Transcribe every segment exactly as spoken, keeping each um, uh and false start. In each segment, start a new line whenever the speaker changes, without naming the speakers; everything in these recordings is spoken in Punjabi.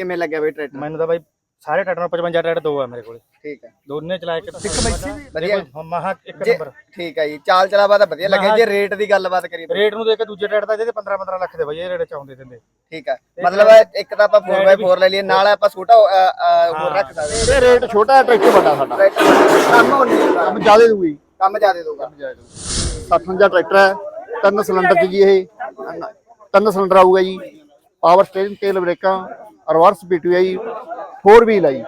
ਕਿਵੇਂ ਲੱਗਿਆ ਬਈ ਟਰੈਕਟਰ?
ਮੈਨੂੰ ਤਾਂ ਬਾਈ ਸਾਰੇ ਟਰੈਕਟਰ ਪਚਵੰਜਾ ਟਰੈਕਟਰ ਦੋ ਆ ਮੇਰੇ ਕੋਲ।
ਠੀਕ ਹੈ,
ਦੋਨੇ ਚਲਾ ਕੇ
ਇੱਕ ਮੈਸੀ ਵੀ ਵਧੀਆ
ਮਹਾ ਇੱਕ
ਜੇ-
ਨੰਬਰ।
ਠੀਕ ਹੈ ਜੀ, ਚਾਲ ਚਲਾਵਾ ਤਾਂ ਵਧੀਆ ਲੱਗਿਆ। ਜੇ ਰੇਟ ਦੀ ਗੱਲਬਾਤ ਕਰੀਏ
ਰੇਟ ਨੂੰ ਦੇਖ ਕੇ ਦੂਜੇ ਟਰੈਕਟਰ ਦਾ ਜਿਹਦੇ ਪੰਦਰਾਂ ਪੰਦਰਾਂ ਲੱਖ ਦੇ ਬਾਈ ਇਹ ਰੇਟ ਚਾਉਂਦੇ ਦਿੰਦੇ।
ਠੀਕ ਹੈ, ਮਤਲਬ ਇੱਕ ਤਾਂ ਆਪਾਂ ਫੋਰ ਬਾਈ ਫੋਰ ਲੈ ਲਈਏ, ਨਾਲ ਆਪਾਂ ਛੋਟਾ ਹੋਰ ਰੱਖ ਸਕਦੇ।
ਇਹ ਰੇਟ ਛੋਟਾ ਹੈ, ਟਰੈਕਟਰ ਵੱਡਾ ਸਾਡਾ।
ਕੰਮ ਹੋਣੀ
ਕੰਮ ਜ਼ਿਆਦਾ ਦੂਗੀ,
ਕੰਮ ਜ਼ਿਆਦਾ ਦਊਗਾ।
ਸੱਠਵੰਜਾ ਟਰੈਕਟਰ ਹੈ, ਤਿੰਨ ਸਿਲੰਡਰ ਜੀ। ਇਹ ਤਿੰਨ ਸਿਲੰਡਰ ਆਊਗਾ ਜੀ। ਪਾਵਰ ਸਟੀਅਰਿੰਗ, ਤੇਲ ਬ੍ਰੇਕਾਂ, ਰਿਵਰਸ ਪੀਟੀਓ ਹੈ ਜੀ, ਫੋਰ ਵੀਲ ਹੈ ਜੀ।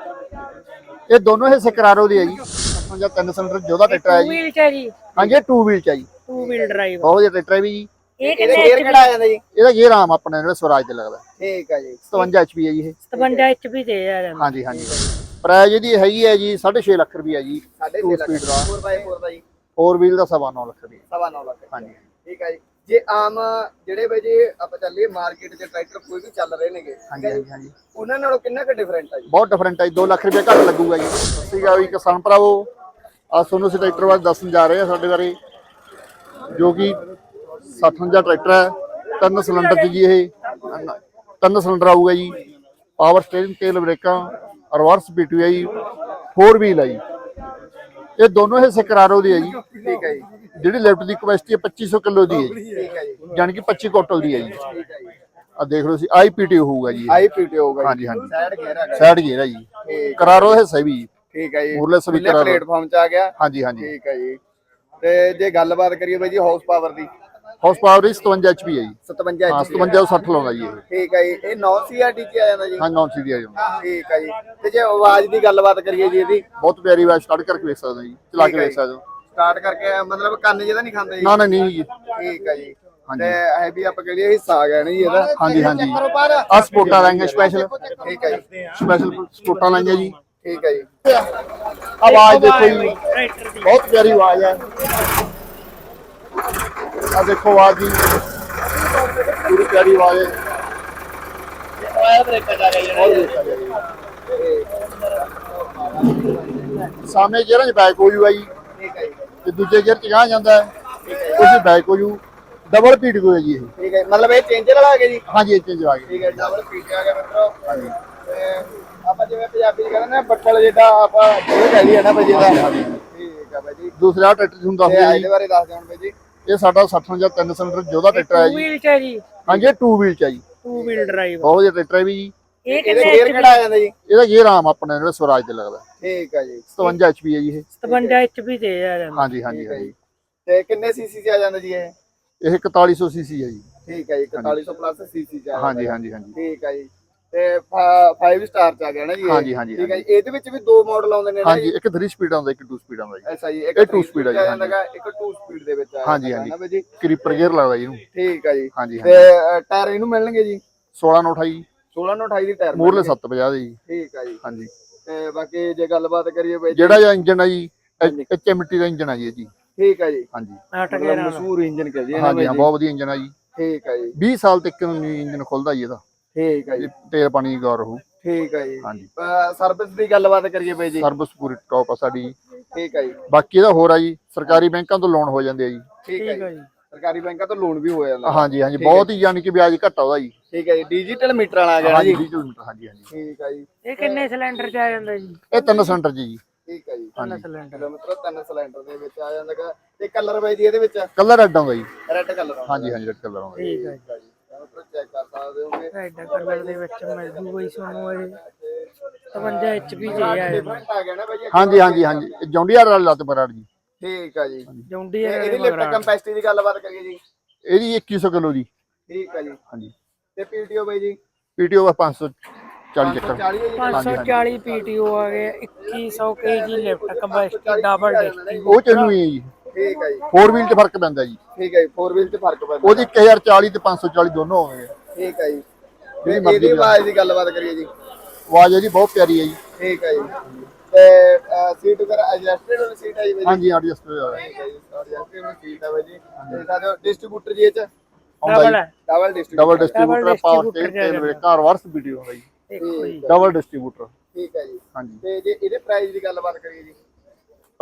ਇਹ ਦੋਨੋਂ ਹਿੱਸੇ ਕਰਾਰੋ ਦੇ ਹੈ ਜੀ। ਸੱਠਵੰਜਾ ਤਿੰਨ ਸਿਲੰਡਰ ਜੋਧਾ ਟਰੈਕਟਰ ਹੈ ਜੀ।
ਵੀਲ ਚ ਹੈ ਜੀ।
ਹਾਂਜੀ, ਇਹ ਟੂ ਵੀਲ ਚ ਹੈ ਜੀ।
ਟੂ ਵੀਲ ਡਰਾਈਵ
ਬਹੁਤ ਵਧੀਆ ਟਰੈਕਟਰ ਹੈ ਵੀ ਜੀ।
ਇਹ
ਇਹਦੇ
ਕਿੰਨੇ
ਗੇਅਰ ਕਿਹੜਾ ਆ ਜਾਂਦਾ ਜੀ?
ਇਹਦਾ ਗੇਅਰ ਆਮ ਆਪਣੇ ਜਿਹੜਾ ਸਵਰਾਜ ਤੇ ਲੱਗਦਾ।
ਠੀਕ ਹੈ ਜੀ,
ਸਤਵੰਜਾ ਐਚ ਪੀ ਹੈ ਜੀ ਇਹ।
ਸਤਵੰਜਾ ਐਚ ਪੀ ਤੇ ਆ ਜਾਂਦਾ।
ਹਾਂਜੀ ਹਾਂਜੀ। ਪ੍ਰਾਈਜ਼ ਇਹਦੀ ਹੈਗੀ ਹੈ ਜੀ ਸਾਢੇ ਛੇ ਲੱਖ ਰੁਪਈਆ ਜੀ।
ਸਾਢੇ
ਟੂ
ਛੇ ਲੱਖ
ਸਪੀਡ ਦਾ
ਫੋਰ ਬਾਈ ਫੋਰ ਦਾ ਜੀ,
ਫੋਰ ਵੀਲ ਦਾ ਸਵਾ ਨੌ ਲੱਖ ਰੁਪਈਆ।
ਸਵਾ ਨੌ ਲੱਖ।
ਹਾਂਜੀ।
ਠੀਕ ਹੈ ਜੀ। ਜੇ ਆਮ ਜਿਹੜੇ ਬਈ ਜੇ ਆਪਾਂ ਚੱਲੀਏ ਮਾਰਕੀਟ 'ਚ ਟਰੈਕਟਰ ਕੋਈ ਵੀ ਚੱਲ ਰਹੇ ਨੇਗੇ,
ਹਾਂਜੀ ਹਾਂਜੀ ਹਾਂਜੀ।
ਉਹਨਾਂ ਨਾਲੋਂ ਕਿੰਨਾ ਕੁ ਡਿਫਰੈਂਟ ਆ ਜੀ?
ਬਹੁਤ ਡਿਫਰੈਂਟ ਹੈ ਜੀ। ਦੋ ਲੱਖ ਰੁਪਏ ਘੱਟ ਲੱਗੂਗਾ ਜੀ। ਸੀਗਾ ਵੀ ਕਿਸਾਨ ਭਰਾਵੋ, ਆ ਤੁਹਾਨੂੰ ਅਸੀਂ ਟਰੈਕਟਰ ਬਾਰੇ ਦੱਸਣ ਜਾ ਰਹੇ ਹਾਂ ਸਾਡੇ ਬਾਰੇ, ਜੋ ਕਿ ਸੱਠਵੰਜਾ ਟਰੈਕਟਰ ਹੈ, ਤਿੰਨ ਸਿਲੰਡਰ ਜੀ। ਇਹ ਤਿੰਨ ਸਿਲੰਡਰ ਆਊਗਾ ਜੀ। ਪਾਵਰ ਸਟੀਅਰਿੰਗ, ਤੇਲ ਬ੍ਰੇਕਾਂ, ਰਿਵਰਸ ਪੀਟੀਓ ਹੈ ਜੀ, ਫੋਰ ਵੀਲ ਹੈ ਜੀ। ਇਹ ਦੋਨੋਂ ਹਿੱਸੇ ਕਰਾਰੋ ਦੇ ਹੈ ਜੀ।
ਠੀਕ ਹੈ ਜੀ,
ਜਿਹੜੀ ਲਿਫਟ ਦੀ ਕਪੈਸਿਟੀ ਹੈ ਪੱਚੀ ਸੌ ਕਿਲੋ ਦੀ ਹੈ ਜੀ।
ਠੀਕ ਹੈ ਜੀ,
ਯਾਨੀ ਕਿ ਪੱਚੀ ਕੁਇੰਟਲ ਦੀ ਹੈ ਜੀ।
ਠੀਕ ਹੈ ਜੀ।
ਆ ਦੇਖ ਲਓ, ਸੀ ਆਈ ਪੀਟੀਓ ਹੋਊਗਾ ਜੀ।
ਆਈ ਪੀਟੀਓ ਹੋਊਗਾ
ਹਾਂਜੀ ਹਾਂਜੀ।
ਸਾਈਡ ਗੇਅਰ ਹੈਗਾ।
ਸਾਈਡ ਗੇਅਰ ਹੈ ਜੀ। ਕਰਾਰੋ ਹਿੱਸਾ ਵੀ ਜੀ।
ਠੀਕ ਹੈ ਜੀ,
ਮੂਰਲੇ ਸਪੀਕਰ
ਪਲੇਟਫਾਰਮ 'ਚ ਆ ਗਿਆ।
ਹਾਂਜੀ ਹਾਂਜੀ।
ਠੀਕ ਹੈ ਜੀ। ਤੇ ਜੇ ਗੱਲਬਾਤ ਕਰੀਏ ਬਾਈ ਜੀ ਹਾਊਸ ਪਾਵਰ ਦੀ,
ਹਾਊਸ ਪਾਵਰ ਸਤਵੰਜਾ ਐਚ ਪੀ ਹੈ ਜੀ।
ਸਤਵੰਜਾ
ਹਾਂ,
ਇੰਚ ਦੀ।
ਸਤਵੰਜਾ ਤੋਂ ਸੱਠ ਲਾਉਂਦਾ ਜੀ ਇਹ।
ਠੀਕ ਹੈ ਜੀ, ਇਹ ਨੌ ਸੀ ਆਰ ਟੀ 'ਚ ਆ ਜਾਂਦਾ ਜੀ?
ਹਾਂ, ਨੌਨ ਸੀ ਦੀ ਆ ਜੀ।
ਠੀਕ ਹੈ ਜੀ। ਤੇ ਜੇ ਆਵਾਜ਼ ਦੀ ਗੱਲਬਾਤ ਕਰੀਏ ਜੀ, ਇਹਦੀ
ਬਹੁਤ ਪਿਆਰੀ ਆਵਾਜ਼, ਸਟਾਰਟ ਕਰਕੇ ਵੇਖ ਸਕਦੇ ਹੋ ਜੀ, ਚਲਾ ਕੇ ਵੇਖ ਸਕਦੇ ਹੋ।
ਸਟਾਰਟ ਕਰਕੇ ਮਤਲਬ ਕੰਨ ਜਿਹਦਾ ਨਹੀਂ ਖਾਂਦਾ ਜੀ?
ਨਾ ਨਾ ਨਹੀਂ ਜੀ।
ਠੀਕ ਹੈ ਜੀ।
ਹਾਂਜੀ।
ਤੇ ਇਹ ਵੀ ਆਪਾਂ ਕਹੀਏ ਹਿੱਸਾ ਆ ਗਿਆ ਨਾ ਜੀ ਇਹਦਾ?
ਹਾਂਜੀ ਹਾਂਜੀ। ਆ ਸਪੋਰਟਾਂ ਲਾਈਆਂ ਸਪੈਸ਼ਲ।
ਠੀਕ ਹੈ ਜੀ,
ਸਪੈਸ਼ਲ ਸਪੋਰਟਾਂ ਲਾਈਆਂ ਜੀ।
ਠੀਕ ਹੈ ਜੀ।
ਆਵਾਜ਼ ਦੇਖੋ ਜੀ, ਬਹੁਤ ਪਿਆਰੀ ਆਵਾਜ਼ ਹੈ। ਆ ਦੇਖੋ ਆਵਾਜ਼ ਦੀ, ਪੂਰੀ ਪਿਆਰੀ ਆਵਾਜ਼ ਹੈ। ਸਾਹਮਣੇ ਗੇਅਰਾਂ 'ਚ ਬੈਕ ਹੋ ਜੂਗਾ ਜੀ।
ਠੀਕ ਹੈ ਜੀ,
ਤੇ ਦੂਜੇ ਗੇਅਰ 'ਚ ਗਾਂਹ ਜਾਂਦਾ ਹੈ, ਉਹਦੀ ਬੈਕ ਹੋ ਜੂ। ਡਬਲ ਪੀਟ ਕੋ ਹੈ ਜੀ ਇਹ।
ਠੀਕ ਹੈ, ਮਤਲਬ ਇਹ ਚੇਂਜਰ ਵਾਲਾ ਆ ਗਿਆ ਜੀ?
ਹਾਂਜੀ, ਇਹ ਚੇਂਜ ਆ ਗਿਆ।
ਠੀਕ ਹੈ, ਡਬਲ ਪੀਟ ਆ ਗਿਆ ਮਿੱਤਰੋ।
ਹਾਂਜੀ।
ਤੇ ਆਪਾਂ ਜਿਵੇਂ ਪੰਜਾਬੀ 'ਚ ਕਹਿੰਦੇ ਨੇ ਬੱਟਲ ਜਿੱਦਾਂ ਆਪਾਂ ਇਹ ਕਹਿ ਲਈਏ ਨਾ ਬਾਈ ਜਿਹਦਾ। ਠੀਕ ਹੈ ਬਾਈ ਜੀ।
ਦੂਸਰਾ ਟਰੈਕਟਰ ਤੁਹਾਨੂੰ ਦੱਸ
ਤੇ
ਦਿਓ
ਇਹਦੇ
ਜੀ,
ਬਾਰੇ ਦੱਸ ਦਿਓ ਹੁਣ ਬਾਈ ਜੀ।
ਇਹ ਸਾਡਾ ਸੱਠਵੰਜਾ ਤਿੰਨ ਸਿਲੰਡਰ ਜੋਧਾ ਟਰੈਕਟਰ ਹੈ
ਟੂ
ਜੀ।
ਵੀਲ ਚ ਹੈ ਜੀ।
ਹਾਂਜੀ, ਇਹ ਟੂ ਵੀਲ ਚ ਹੈ ਜੀ।
ਟੂ ਵੀਲ ਡਰਾਈਵ
ਬਹੁਤ ਵਧੀਆ ਟਰੈਕਟਰ ਹੈ ਵੀ ਜੀ।
ਇਹ
ਇਹਦੇ
ਕਿੰਨੇ
ਗੇਅਰ ਕਿਹੜਾ ਆ ਜਾਂਦਾ ਜੀ?
ਇਹਦਾ ਗੇਅਰ ਆਮ ਆਪਣੇ ਜਿਹੜਾ ਸਵਰਾਜ ਤੇ ਲੱਗਦਾ।
ਠੀਕ ਹੈ ਜੀ,
ਸਤਵੰਜਾ ਐਚ ਪੀ ਹੈ ਜੀ ਇਹ।
ਸਤਵੰਜਾ ਐਚ ਪੀ ਤੇ ਆ ਜਾਂਦਾ।
ਹਾਂਜੀ ਹਾਂਜੀ ਹਾਂਜੀ।
ਤੇ ਕਿੰਨੇ ਸੀਸੀ 'ਚ ਆ ਜਾਂਦਾ ਜੀ ਇਹ?
ਇਹ ਇਕਤਾਲੀ ਸੌ ਸੀਸੀ ਹੈ ਜੀ।
ਠੀਕ ਹੈ ਜੀ, ਇਕਤਾਲੀ ਸੌ ਪਲੱਸ ਸੀਸੀ 'ਚ ਆ ਜਾਂਦਾ।
ਹਾਂਜੀ ਹਾਂਜੀ ਹਾਂਜੀ।
ਠੀਕ ਹੈ ਜੀ। ਤੇ ਫਾਈਵ ਸਟਾਰ 'ਚ ਆ ਗਿਆ ਨਾ ਜੀ ਇਹ?
ਹਾਂਜੀ ਹਾਂਜੀ
ਠੀਕ ਹੈ ਜੀ। ਇਹਦੇ ਵਿੱਚ ਵੀ ਦੋ ਮਾਡਲ ਆਉਂਦੇ ਨੇ ਨਾ
ਹਾਂਜੀ,
ਜੀ?
ਇੱਕ ਥ੍ਰੀ ਸਪੀਡ ਆਉਂਦਾ, ਇੱਕ ਟੂ ਸਪੀਡ ਆਉਂਦਾ ਜੀ।
ਐਸਾ ਜੀ,
ਇਹ two speed ਆ ਜੀ,
ਆ ਜਾਂਦਾ ਗਾ, ਇੱਕ ਟੂ ਸਪੀਡ ਦੇ ਵਿੱਚ ਆ
ਹਾਂਜੀ
ਜਾਂਦਾ
ਹਾਂਜੀ।
ਨਾ ਬਾਈ ਜੀ?
ਕਰੀਪਰ ਗੇਅਰ ਲੱਗਦਾ ਜੀ ਇਹਨੂੰ।
ਠੀਕ ਹੈ ਜੀ।
ਹਾਂਜੀ
ਤੇ
ਹਾਂਜੀ।
ਅ, ਟਾਇਰ ਇਹਨੂੰ ਮਿਲਣਗੇ ਜੀ?
ਸੋਲਾਂ ਨੌ ਅਠਾਈ
ਸੋਲਾਂ ਨੌ ਅਠਾਈ ਦੀ ਟਾਇਰ
ਮੂਰਲੇ
ਮਿਲਣਗੇ?
ਸੱਤ ਪੰਜਾਹ ਦੇ ਜੀ।
ਠੀਕ ਹੈ ਜੀ।
ਹਾਂਜੀ।
ਤੇ ਬਾਕੀ ਜੇ ਗੱਲਬਾਤ ਕਰੀਏ ਬਾਈ ਜੀ,
ਜਿਹੜਾ ਇਹ ਇੰਜਨ ਹੈ ਜੀ, ਐਚ ਐਮ ਟੀ ਦਾ ਇੰਜਨ ਹੈ ਜੀ ਇਹ ਜੀ।
ਠੀਕ ਹੈ ਜੀ।
ਹਾਂਜੀ
ਅੱਠ
ਮਤਲਬ
ਗੇਅਰਾਂ
ਮਸ਼ਹੂਰ ਇੰਜਨ ਕਹ ਜੀ ਨਾ
ਹਾਂਜੀ
ਬਾਈ
ਹਾਂ,
ਜੀ?
ਬਹੁਤ ਵਧੀਆ ਇੰਜਨ ਹੈ ਜੀ।
ਠੀਕ ਹੈ ਜੀ।
ਵੀਹ ਸਾਲ ਤੱਕ ਇੰਜਨ ਖੁੱਲਦਾ ਜੀ ਇਹਦਾ।
ਠੀਕ ਹੈ ਜੀ।
ਇਹ ਤੇਲ ਪਾਣੀ ਦੀ ਗੌਰ ਰਹੂ।
ਠੀਕ ਹੈ ਜੀ।
ਹਾਂਜੀ।
ਸਰਵਿਸ ਦੀ ਗੱਲਬਾਤ ਕਰੀਏ ਬਾਈ ਜੀ?
ਸਰਵਿਸ ਪੂਰੀ ਟੌਪ ਆ ਸਾਡੀ।
ਠੀਕ ਹੈ ਜੀ।
ਬਾਕੀ ਇਹਦਾ ਹੋਰ ਆ ਜੀ, ਸਰਕਾਰੀ ਬੈਂਕਾਂ ਤੋਂ ਲੋਨ ਹੋ ਜਾਂਦੇ ਆ ਜੀ।
ਠੀਕ ਹੈ
ਠੀਕ ਹੈ
ਜੀ।
ਜੀ।
ਸਰਕਾਰੀ ਬੈਂਕਾਂ ਤੋਂ ਲੋਨ ਵੀ ਹੋ ਜਾਂਦਾ?
ਹਾਂਜੀ ਹਾਂਜੀ, ਬਹੁਤ ਹੀ ਯਾਨੀ ਕਿ ਵਿਆਜ ਘੱਟ ਆਉਂਦਾ ਜੀ।
ਠੀਕ ਹੈ ਜੀ। ਡਿਜੀਟਲ ਮੀਟਰ ਵਾਲਾ ਆ ਗਿਆ ਨਾ
ਹਾਂਜੀ,
ਜੀ?
ਵੀਹ ਕਿਲੋਮੀਟਰ। ਹਾਂਜੀ ਹਾਂਜੀ।
ਠੀਕ ਹੈ ਜੀ।
ਇਹ ਕਿੰਨੇ ਸਿਲੰਡਰ ਚ ਆ ਜਾਂਦਾ ਜੀ?
ਇਹ ਤਿੰਨ ਸਿਲੰਡਰ ਜੀ।
ਠੀਕ ਹੈ ਜੀ।
ਤਿੰਨ ਸਿਲੰਡਰ।
ਕਿਲੋਮੀਟਰ ਤਿੰਨ ਸਿਲੰਡਰ ਦੇ ਵਿੱਚ ਆ ਜਾਂਦਾ ਗਾ। ਤੇ ਕਲਰ ਬਾਈ ਜੀ ਇਹਦੇ ਵਿੱਚ?
ਕਲਰ ਰੈੱਡ ਆਉਂਦਾ ਜੀ।
ਰੈੱਡ ਕਲਰ ਆਉਂਦਾ?
ਹਾਂਜੀ ਹਾਂਜੀ, ਰੈੱਡ ਕਲਰ ਆਉਂਦਾ ਜੀ।
ਠੀਕ ਹੈ ਜੀ।
ਚੈੱਕ ਕਰ ਸਕਦੇ ਹੋਗੇ।
ਐਡਾ ਕਲਰ ਦੇ ਵਿੱਚ ਮਿਲ ਜੂਗਾ ਹੀ ਤੁਹਾਨੂੰ ਇਹ ਸਤਵੰਜਾ ਐਚ ਪੀ ਤੇ ਆ ਜਾਂਦਾ।
ਡਿਫਰੈਂਟ ਆ ਗਿਆ ਨਾ ਬਾਈ ਜੀ?
ਹਾਂਜੀ ਹਾਂਜੀ ਹਾਂਜੀ। ਜੌਂਡੀਆਰ ਵਾਲਾ ਲੱਤ ਬਰਾੜ ਜੀ।
ਠੀਕ ਹੈ ਜੀ।
ਜੌਂਡੀ
ਤੇ ਇਹਦੀ ਲਿਫਟ ਕੰਪੈਸਿਟੀ ਦੀ ਗੱਲਬਾਤ ਕਰੀਏ ਜੀ?
ਇਹਦੀ ਇੱਕੀ ਸੌ ਕਿਲੋ ਦੀ।
ਠੀਕ ਹੈ ਜੀ।
ਹਾਂਜੀ।
ਤੇ ਪੀਟੀਓ ਬਾਈ ਜੀ?
ਪੀਟੀਓ ਪੰਜ ਸੌ ਚਾਲੀ ਚੱਕਰ।
ਪੰਜ ਸੌ ਚਾਲੀ ਪੀਟੀਓ ਆ ਗਏ, ਇੱਕੀ ਸੌ ਕੇਜੀ ਲਿਫਟ ਕਪੈਸਿਟੀ ਡਬਲ ਡਿਸਟੀ।
ਉਹ ਚੱਲੂ ਹੀ ਹੈ ਜੀ।
ਠੀਕ ਹੈ ਜੀ।
ਫੋਰ ਵੀਲ 'ਚ ਫਰਕ ਪੈਂਦਾ ਜੀ।
ਠੀਕ ਹੈ ਜੀ। ਫੋਰ ਵੀਲ 'ਚ ਫਰਕ ਪੈਂਦਾ?
ਉਹਦੀ ਇੱਕ ਹਜ਼ਾਰ ਚਾਲੀ ਤੇ ਪੰਜ ਸੌ ਚਾਲੀ ਦੋਨੋਂ ਆਉਂਦੇ ਆ।
ਠੀਕ ਹੈ ਜੀ।
ਜਿਹੜੀ ਮਰਜ਼ੀ
ਇਹਦੀ ਆਵਾਜ਼ ਦੀ ਗੱਲਬਾਤ ਕਰੀਏ ਜੀ?
ਆਵਾਜ਼ ਇਹਦੀ ਬਹੁਤ ਪਿਆਰੀ ਹੈ ਜੀ।
ਠੀਕ ਹੈ ਜੀ। ਤੇ ਸੀਟ ਵਗੈਰਾ ਐਡਜਸਟਡ ਵਾਲੀ ਸੀਟ ਹੈ ਜੀ ਬਾਈ ਜੀ?
ਹਾਂਜੀ, ਐਡਜਸਟ ਹੋ ਜਾਵੇ।
ਠੀਕ ਹੈ ਜੀ। ਐਡਜਸਟਡ ਵਾਲੀ ਸੀਟ ਹੈ ਬਾਈ ਜੀ। ਤੇ ਸਾਡੇ ਡਿਸਟ੍ਰੀਬਿਊਟਰ ਜੀ ਇਹ ਚ
ਆਉਂਦਾ
ਡਬਲ
ਜੀ।
ਹੈ।
Double distributor?
Double distributor, power
distributor
steering, ਤੇਲ ਬ੍ਰੇਕਾਂ, ਰਿਵਰਸ ਵੀਡੀਓ ਆਉਂਦਾ ਜੀ।
ਦੇਖੋ ਜੀ।
Double distributor.
ਠੀਕ ਹੈ ਜੀ।
ਹਾਂਜੀ।
ਤੇ ਜੇ ਇਹਦੇ ਪ੍ਰਾਈਸ ਦੀ ਗੱਲਬਾਤ ਕਰੀਏ ਜੀ?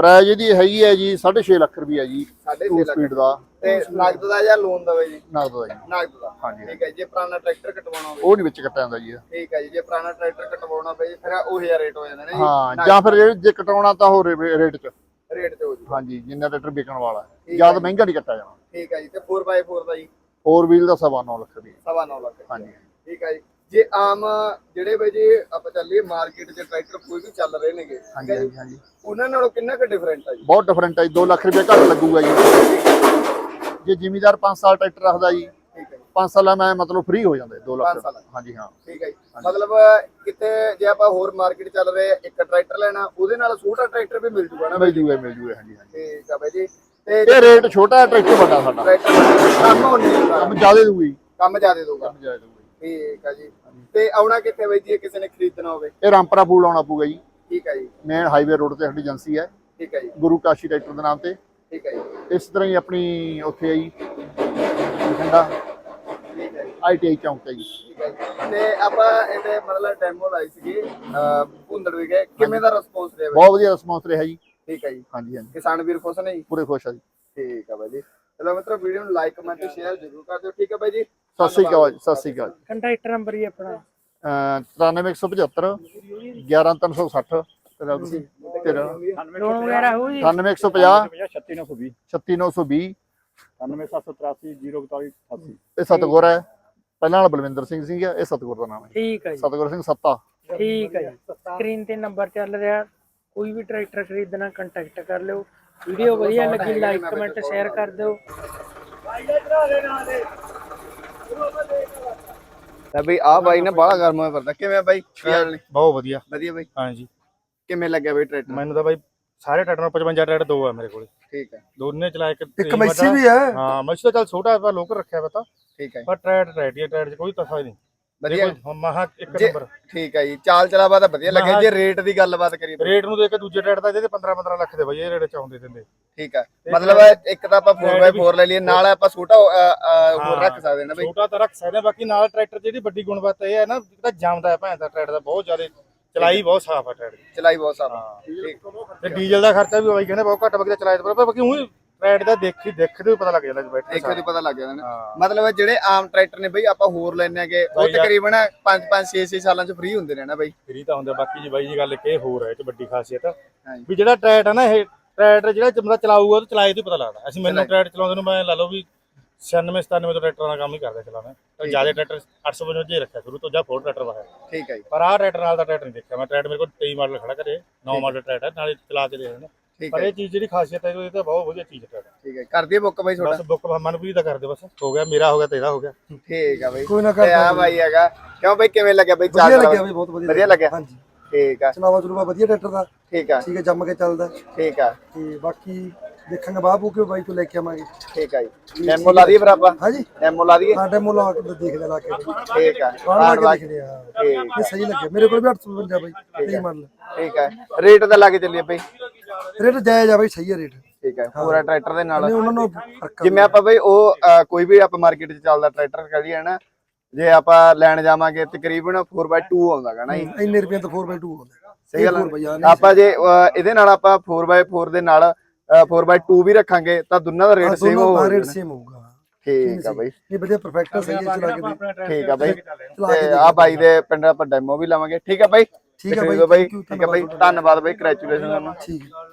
ਪ੍ਰਾਈਜ਼ ਇਹਦੀ ਹੈਗੀ ਹੈ ਜੀ ਸਾਢੇ ਛੇ ਲੱਖ ਰੁਪਈਆ ਜੀ
ਸਾਢੇ
ਟੂ
ਛੇ ਲੱਖ
ਸਪੀਡ ਦਾ
ਤੇ ਨਗਦ ਦਾ ਜਾਂ ਲੋਨ ਦਾ ਬਾਈ ਜੀ?
ਨਗਦ ਦਾ ਜੀ।
ਨਗਦ ਦਾ
ਹਾਂਜੀ।
ਠੀਕ ਹੈ। ਜੇ ਪੁਰਾਣਾ ਟਰੈਕਟਰ ਕਟਵਾਉਣਾ ਹੋਵੇ
ਉਹ ਨਹੀਂ ਵਿੱਚ ਕੱਟਿਆ ਜਾਂਦਾ ਜੀ।
ਠੀਕ ਹੈ ਜੀ। ਜੇ ਪੁਰਾਣਾ ਟਰੈਕਟਰ ਕਟਵਾਉਣਾ ਪਏ ਫਿਰ ਉਹੀ ਜਿਹਾ ਰੇਟ ਹੋ ਜਾਂਦਾ ਨਾ ਜੀ?
ਹਾਂ, ਜਾਂ ਫਿਰ ਜੇ- ਜੇ ਕਟਾਉਣਾ ਤਾਂ ਹੋਰ ਰੇਟ 'ਚ।
ਰੇਟ ਤੇ ਹੋ ਜੂ।
ਹਾਂਜੀ, ਜਿੰਨਾ ਟਰੈਕਟਰ ਵਿਕਣ ਵਾਲਾ
ਠੀਕ
ਜਿਆਦਾ
ਹੈ।
ਮਹਿੰਗਾ ਨਹੀਂ ਕੱਟਿਆ ਜਾਣਾ।
ਠੀਕ ਹੈ ਜੀ। ਤੇ ਫੋਰ ਬਾਈ ਫੋਰ ਦਾ ਜੀ?
ਫੋਰ ਵੀਲ ਦਾ ਸਵਾ ਨੌ ਲੱਖ ਰੁਪਈਆ।
ਸਵਾ ਨੌ ਲੱਖ।
ਹਾਂਜੀ।
ਠੀਕ ਹੈ ਜੀ। ਜੇ ਆਮ ਜਿਹੜੇ ਬਾਈ ਜੀ ਆਪਾਂ ਚੱਲੀਏ ਮਾਰਕੀਟ 'ਚ ਟਰੈਕਟਰ ਕੋਈ ਵੀ ਚੱਲ ਰਹੇ ਨੇਗੇ,
ਹਾਂਜੀ ਹਾਂਜੀ ਹਾਂਜੀ
ਉਹਨਾਂ ਨਾਲੋਂ ਕਿੰਨਾ ਕੁ ਡਿਫਰੈਂਟ ਆ ਜੀ?
ਬਹੁਤ ਡਿਫਰੈਂਟ ਹੈ ਜੀ। ਦੋ ਲੱਖ ਰੁਪਏ ਘੱਟ ਲੱਗੂਗਾ ਜੀ। ਜੇ ਜ਼ਿਮੀਦਾਰ ਪੰਜ ਸਾਲ ਟਰੈਕਟਰ ਰੱਖਦਾ ਜੀ,
ਠੀਕ ਹੈ ਜੀ।
ਪੰਜ ਸਾਲਾਂ ਮੈਂ ਮਤਲਬ ਫ੍ਰੀ ਹੋ ਜਾਂਦਾ ਦੋ
ਪੰਜ
ਲੱਖ।
ਸਾਲਾਂ।
ਹਾਂਜੀ ਹਾਂ।
ਠੀਕ ਹੈ ਜੀ। ਮਤਲਬ ਕਿਤੇ ਜੇ ਆਪਾਂ ਹੋਰ ਮਾਰਕੀਟ ਚੱਲ ਰਹੇ ਇੱਕ ਟਰੈਕਟਰ ਲੈਣਾ ਉਹਦੇ ਨਾਲ ਛੋਟਾ ਟਰੈਕਟਰ ਵੀ ਮਿਲ ਜੂਗਾ ਨਾ ਬਾਈ?
ਮਿਲ ਜੂਗਾ ਮਿਲ ਜੂਗਾ। ਹਾਂਜੀ ਹਾਂਜੀ।
ਠੀਕ ਆ ਬਾਈ ਜੀ। ਤੇ
ਇਹ ਰੇਟ ਛੋਟਾ ਹੈ, ਟਰੈਕਟਰ ਵੱਡਾ ਸਾਡਾ।
ਟਰੈਕਟਰ ਕੰਮ ਹੋਣੀ
ਕੰਮ ਜ਼ਿਆਦਾ ਦੂਗੀ।
ਕੰਮ ਜ਼ਿਆਦਾ ਦਊਗਾ।
ਕੰਮ ਜ਼ਿਆਦਾ ਦੂਗੀ।
ਠੀਕ ਆ ਜੀ। ਤੇ ਆਉਣਾ ਕਿੱਥੇ ਬਾਈ ਜੀ ਕਿਸੇ ਨੇ ਖਰੀਦਣਾ ਹੋਵੇ?
ਇਹ ਰਾਮਪੁਰਾ ਪੂਲ ਆਉਣਾ ਪਊਗਾ ਜੀ।
ਠੀਕ ਹੈ ਜੀ।
ਮੇਨ ਹਾਈਵੇ ਰੋਡ ਤੇ ਸਾਡੀ ਏਜੰਸੀ ਹੈ,
ਠੀਕ ਹੈ ਜੀ।
ਗੁਰੂ ਕਾਸ਼ੀ ਟਰੈਕਟਰ ਦੇ ਨਾਮ ਤੇ।
ਠੀਕ ਹੈ ਜੀ।
ਇਸ ਤਰ੍ਹਾਂ ਹੀ ਆਪਣੀ ਉੱਥੇ ਆਈ ਠੰਡਾ
ਠੀਕ ਹੈ ਜੀ।
ਆਈ ਟੀ ਆਈ ਚੌਂਕ ਤੇ ਜੀ।
ਠੀਕ ਹੈ ਜੀ। ਤੇ ਆਪਾਂ ਇਹਦੇ ਮਤਲਬ ਡੈਮੋ ਲਾਈ ਸੀਗੀ ਅਹ ਭੁੰਦੜ ਵੀ ਗਏ, ਕਿਵੇਂ ਦਾ ਰਿਸਪੌਂਸ ਰਿਹਾ ਬਾਈ?
ਬਹੁਤ ਵਧੀਆ ਰਿਸਪੌਂਸ ਰਿਹਾ ਜੀ।
ਠੀਕ ਹੈ ਜੀ।
ਹਾਂਜੀ ਹਾਂਜੀ,
ਕਿਸਾਨ ਵੀਰ ਖੁਸ਼ ਨੇ ਜੀ?
ਪੂਰੇ ਖੁਸ਼ ਆ ਜੀ।
ਠੀਕ ਆ ਬਾਈ ਜੀ। ਚਲੋ ਮਿੱਤਰੋ ਵੀਡੀਓ ਨੂੰ ਲਾਈਕ ਕਮੈਂਟ ਸ਼ੇਅਰ ਜ਼ਰੂਰ ਕਰ ਦਿਓ। ਠੀਕ ਹੈ ਬਾਈ ਜੀ।
ਸਤਿ ਸ਼੍ਰੀ ਅਕਾਲ ਜੀ। ਸਤਿ ਸ਼੍ਰੀ ਅਕਾਲ।
ਕੰਟਰੈਕਟਰ ਨੰਬਰ ਹੀ ਆਪਣਾ
ਤਰਾਨਵੇਂ ਇੱਕ ਸੌ ਪਝੱਤਰ ਗਿਆਰਾਂ ਤਿੰਨ ਸੌ ਸੱਠ ਤੇਰਾ ਤੇਰਾ
ਲੋਨ ਵਗੈਰਾ ਹੋਊ ਜੀ?
ਅਠਾਨਵੇਂ ਇੱਕ ਸੌ ਪੰਜਾਹ
ਛੱਤੀ ਨੌ ਸੌ ਵੀਹ
ਛੱਤੀ ਨੌ ਸੌ ਵੀਹ
ਅਠਾਨਵੇਂ ਸੱਤ ਸੌ ਤਰਾਸੀ ਜ਼ੀਰੋ ਇਕਤਾਲੀ ਅਠਾਸੀ।
ਇਹ ਸਤਗੁਰ ਹੈ। ਪਹਿਲਾਂ ਵਾਲਾ ਬਲਵਿੰਦਰ ਸਿੰਘ ਸੀਗਾ, ਇਹ ਸਤਗੁਰ ਦਾ ਨਾਮ ਹੈ।
ਠੀਕ ਹੈ ਜੀ।
ਸਤਗੁਰ ਸਿੰਘ ਸੱਤਾ।
ਠੀਕ ਹੈ ਜੀ। ਸਕਰੀਨ ਤੇ ਨੰਬਰ ਚੱਲ ਰਿਹਾ, ਕੋਈ ਵੀ ਟਰੈਕਟਰ ਖਰੀਦਣਾ ਕੰਟੈਕਟ ਕਰ ਲਿਓ। ਵੀਡੀਓ ਵਧੀਆ ਲੱਗੀ ਲਾਈਕ ਕਮੈਂਟ ਸ਼ੇਅਰ ਕਰ ਦਿਓ।
ਲੈ ਬਈ ਆ ਬਾਈ ਨੇ ਬਾਹਲਾ ਗਰਮ ਹੋਇਆ ਫਿਰਦਾ। ਕਿਵੇਂ ਬਾਈ?
ਬਹੁਤ ਵਧੀਆ।
ਵਧੀਆ ਬਾਈ।
ਹਾਂਜੀ।
ਕਿਵੇਂ ਲੱਗਿਆ ਬਾਈ ਟਰੈਕਟਰ?
ਮੈਨੂੰ ਤਾਂ ਬਾਈ ਸਾਰੇ ਟਰੈਕਟਰ ਪਚਵੰਜਾ ਟਰੈਕਟਰ ਦੋ ਆ ਮੇਰੇ ਕੋਲ।
ਠੀਕ ਹੈ।
ਦੋਨੇ ਚਲਾ ਇੱਕ
ਇੱਕ ਮੈਸੀ ਵੀ ਹੈ।
ਹਾਂ, ਮੈਸੀ ਤਾਂ ਚੱਲ ਛੋਟਾ ਹੈ, ਲੋਕਲ ਰੱਖਿਆ ਵਾ ਤਾਂ।
ਠੀਕ ਹੈ।
ਪਰ ਟਰੈਕਟਰ ਟਰੈਕਟਰ ਟਰੈਕਟਰ ਚ ਕੋਈ ਤਫਾ ਨਹੀਂ।
ਵਧੀਆ।
ਹੁਣ ਮਹਾ ਇੱਕ
ਜੇ-
ਨੰਬਰ
ਠੀਕ ਹੈ ਜੀ। ਚਾਲ ਚਲਾਵਾ ਤਾਂ ਵਧੀਆ ਲੱਗਿਆ। ਜੇ ਰੇਟ ਦੀ ਗੱਲਬਾਤ ਕਰੀਏ ਤਾਂ?
ਰੇਟ ਨੂੰ ਦੇਖ ਕੇ ਦੂਜੇ ਟਰੈਕਟਰ ਦਾ ਇਹਦੇ ਪੰਦਰਾਂ ਪੰਦਰਾਂ ਲੱਖ ਦੇ ਬਾਈ ਇਹ ਰੇਟ ਚਾਹੁੰਦੇ ਦਿੰਦੇ।
ਠੀਕ ਹੈ। ਮਤਲਬ ਇੱਕ ਤਾਂ ਆਪਾਂ ਫੋਰ ਬਾਈ ਫੋਰ ਲੈ ਲਈਏ, ਨਾਲ ਆਪਾਂ ਛੋਟਾ ਅਹ, ਅਹ, ਹੋਰ ਰੱਖ ਸਕਦੇ ਨਾ ਬਾਈ?
ਛੋਟਾ ਤਾਂ ਰੱਖ ਸਕਦੇ ਆ, ਬਾਕੀ ਨਾਲ ਟਰੈਕਟਰ ਜਿਹੜੀ ਵੱਡੀ ਗੁਣਵੱਤਾ ਇਹ ਹੈ ਨਾ, ਜਿਹੜਾ ਜੰਮਦਾ ਹੈ ਭੈਣ ਦਾ ਟਰੈਕਟਰ ਦਾ ਬਹੁਤ ਜ਼ਿਆਦਾ ਚਲਾਈ ਬਹੁਤ ਸਾਫ਼ ਆ ਟਰੈਕਟਰ ਦੀ।
ਚਲਾਈ ਬਹੁਤ ਸਾਫ।
ਹਾਂ।
ਠੀਕ।
ਤੇ ਡੀਜ਼ਲ ਦਾ ਖਰਚਾ ਵੀ ਬਾਈ ਕਹਿੰਦੇ ਬਹੁਤ ਘੱਟ ਬਗਦਾ ਚਲਾਈ ਤੇ ਬਾਕੀ ਉਹ ਟਰੈਕਟਰ ਦਾ ਦੇਖੀ ਦੇਖਦੇ ਹੀ ਪਤਾ ਲੱਗ ਜਾਂਦਾ ਬੈਠੇ
ਦੇਖੋ ਤੇ ਪਤਾ ਲੱਗ ਜਾਂਦਾ ਨਾ।
ਹਾਂ।
ਮਤਲਬ ਜਿਹੜੇ ਆਮ ਟਰੈਕਟਰ ਨੇ ਬਈ ਆਪਾਂ ਹੋਰ ਲੈਣੇ ਆਗੇ ਉਹ
ਬਾਈ ਯਾਰ-
ਤਕਰੀਬਨ ਪੰਜ ਪੰਜ ਛੇ ਛੇ ਸਾਲਾਂ ਚ ਫ੍ਰੀ ਹੁੰਦੇ ਨੇ ਨਾ ਬਈ?
ਫਰੀ ਤਾਂ ਹੁੰਦਾ। ਬਾਕੀ ਜੀ ਬਾਈ ਜੀ ਗੱਲ ਇੱਕ ਇਹ ਹੋਰ ਹੈ ਇਹ ਚ ਵੱਡੀ ਖਾਸੀਅਤ
ਹਾਂਜੀ।
ਵੀ ਜਿਹੜਾ ਟਰੈਕਟਰ ਹੈ ਨਾ, ਇਹ ਟਰੈਕਟਰ ਜਿਹੜਾ ਬੰਦਾ ਚਲਾਊਗਾ ਉਹ ਚਲਾਏ ਤੋਂ ਪਤਾ ਲੱਗਦਾ। ਅਸੀਂ ਮੈਨੂੰ ਟਰੈਕਟਰ ਚਲਾਉਂਦੇ ਨੂੰ ਮੈਂ ਲਾ ਲਓ ਵੀ ਛਿਆਨਵੇਂ ਸਤਾਨਵੇਂ ਤੋਂ ਟਰੈਕਟਰਾਂ ਦਾ ਕੰਮ ਹੀ ਕਰਦਾ ਚਲਾਉਣਾ। ਤਾਂ ਜਿਆਦਾ ਟਰੈਕਟਰ ਅੱਠ ਸੌ ਪਚਵੰਜਾ ਹੀ ਰੱਖਿਆ ਸ਼ੁਰੂ ਤੋਂ, ਜਾਂ ਫੋਰ ਟਰੈਕਟਰ ਵਾਇਆ।
ਠੀਕ ਹੈ ਜੀ।
ਪਰ ਆਹ ਟਰੈਕਟਰ ਨਾਲ ਦਾ ਟਰੈਕਟਰ ਨਹੀਂ ਦੇਖਿਆ ਮੈਂ। ਟਰੈਕਟਰ ਮੇਰੇ ਕੋਲ ਤੇਈ ਮਾਡਲ ਖੜਾ ਕਰੇ, ਨੌ ਮਾਡਲ ਟਰੈਕਟਰ ਨਾਲੇ ਚਲਾ ਕੇ ਦੇਖਦੇ।
ਠੀਕ
ਪਰ
ਹੈ।
ਇਹ ਚੀਜ਼ ਜਿਹੜੀ ਖਾਸੀਅਤ ਹੈ ਇਹ ਤਾਂ ਬਹੁਤ ਵਧੀਆ ਚੀਜ਼ ਹੈ।
ਠੀਕ ਹੈ। ਕਰ ਦਈਏ ਬੁੱਕ ਬਾਈ ਤੁਹਾਡਾ?
ਬਸ ਬੁੱਕ ਮਨਪ੍ਰੀਤ ਦਾ ਕਰ ਦੇ, ਬਸ ਹੋ ਗਿਆ। ਮੇਰਾ ਹੋ ਗਿਆ, ਤੇਰਾ ਹੋ ਗਿਆ।
ਠੀਕ ਆ ਬਾਈ।
ਕੋਈ ਨਾ
ਤੇ
ਕਰ
ਆ ਬਾਈ ਹੈਗਾ। ਕਿਉਂ ਬਾਈ ਕਿਵੇਂ ਲੱਗਿਆ ਬਾਈ?
ਵਧੀਆ
ਚਾਲ
ਲੱਗਿਆ ਬਈ, ਬਹੁਤ ਵਧੀਆ
ਵਧੀਆ ਲੱਗਿਆ?
ਹਾਂਜੀ।
ਠੀਕ ਆ।
ਚਲਾਵਾ ਚਲੂਵਾ ਵਧੀਆ ਟਰੈਕਟਰ ਦਾ।
ਠੀਕ ਆ।
ਠੀਕ ਹੈ, ਜੰਮ ਕੇ ਚੱਲਦਾ।
ਠੀਕ ਆ।
ਤੇ ਬਾਕੀ ਦੇਖਾਂਗੇ ਬਾਬੂ ਕਿ ਬਾਈ ਤੋਂ ਲੈ ਕੇ ਆਵਾਂਗੇ।
ਠੀਕ ਆ ਜੀ। ਡੈਮੋ ਲਾ ਦਈਏ ਫਿਰ ਆਪਾਂ?
ਹਾਂਜੀ।
ਡੈਮੋ ਲਾ ਦਈਏ?
ਸਾਡੇ ਮੁੱਲ ਆ ਕੇ ਦੇਖ ਲੈ ਲਾ ਕੇ।
ਠੀਕ ਆ।
ਬਾਹਰ ਲਾ ਕੇ ਦੇਖਦੇ ਆ।
ਠੀਕ
ਇਹ ਸਹੀ ਲੱਗਿਆ ਮੇਰੇ ਕੋਲ ਵੀ ਅੱਠ ਸੌ ਪਚਵੰਜਾ ਬਾਈ ਤੇਈ ਮਾਡਲ।
ਠੀਕ ਆ। ਰੇਟ ਦਾ ਲਾ ਕੇ ਚੱਲੀਏ ਬਾਈ?
ਰੇਟ ਜਾਇਜ਼ ਆ ਬਾਈ, ਸਹੀ ਹੈ ਰੇਟ।
ਠੀਕ ਹੈ। ਪੂਰਾ ਟਰੈਕਟਰ ਦੇ ਨਾਲ
ਨਹੀਂ ਉਹਨਾਂ ਨੂੰ ਫਰਕ ਆ।
ਜਿਵੇਂ ਆਪਾਂ ਬਈ ਉਹ ਅਹ, ਕੋਈ ਵੀ ਆਪਾਂ ਮਾਰਕੀਟ 'ਚ ਚੱਲਦਾ ਟਰੈਕਟਰ ਕਰੀਏ ਨਾ, ਜੇ ਆਪਾਂ ਲੈਣ ਜਾਵਾਂਗੇ ਤਕਰੀਬਨ ਫੋਰ ਬਾਈ ਟੂ ਆਉਂਦਾ ਗਾ ਨਾ ਜੀ?
ਇੰਨੇ ਰੁਪਏ ਤੋਂ ਫੋਰ ਬਾਈ ਟੂ ਆਉਂਦਾ।
ਸਹੀ ਗੱਲ
ਬਾਈ ਆ।
ਆ। ਆਪਾਂ ਜੇ ਅਹ, ਇਹਦੇ ਨਾਲ ਆਪਾਂ ਫੋਰ ਬਾਈ ਫੋਰ ਦੇ ਨਾਲ ਫੋਰ ਬਾਈ ਟੂ ਵੀ ਰੱਖਾਂਗੇ ਤਾਂ ਦੋਨਾਂ ਦਾ ਰੇਟ ਸੇਮ ਹੋਊਗਾ।
ਰੇਟ ਸੇਮ ਹੋਊਗਾ।
ਠੀਕ ਆ ਬਾਈ।
ਇਹ ਵਧੀਆ ਪਰਫੈਕਟ ਸਹੀ ਹੈ, ਚਲਾ ਕੇ ਦੇ।
ਠੀਕ ਆ ਬਾਈ। ਤੇ ਆ ਬਾਈ ਦੇ ਪਿੰਡ ਆਪਾਂ ਡੈਮੋ ਵੀ ਲਾਵਾਂਗੇ। ਠੀਕ ਆ ਬਾਈ।
ਠੀਕ ਆ
ਬਾਈ।
ਬਾਈ।
ਠੀਕ ਆ ਬਾਈ। ਧੰਨਵਾਦ ਬਾਈ। ਕੰਗ੍ਰੈਚੁਲੇਸ਼ਨ ਤੁਹਾਨੂੰ।
ਠੀਕ ਹੈ।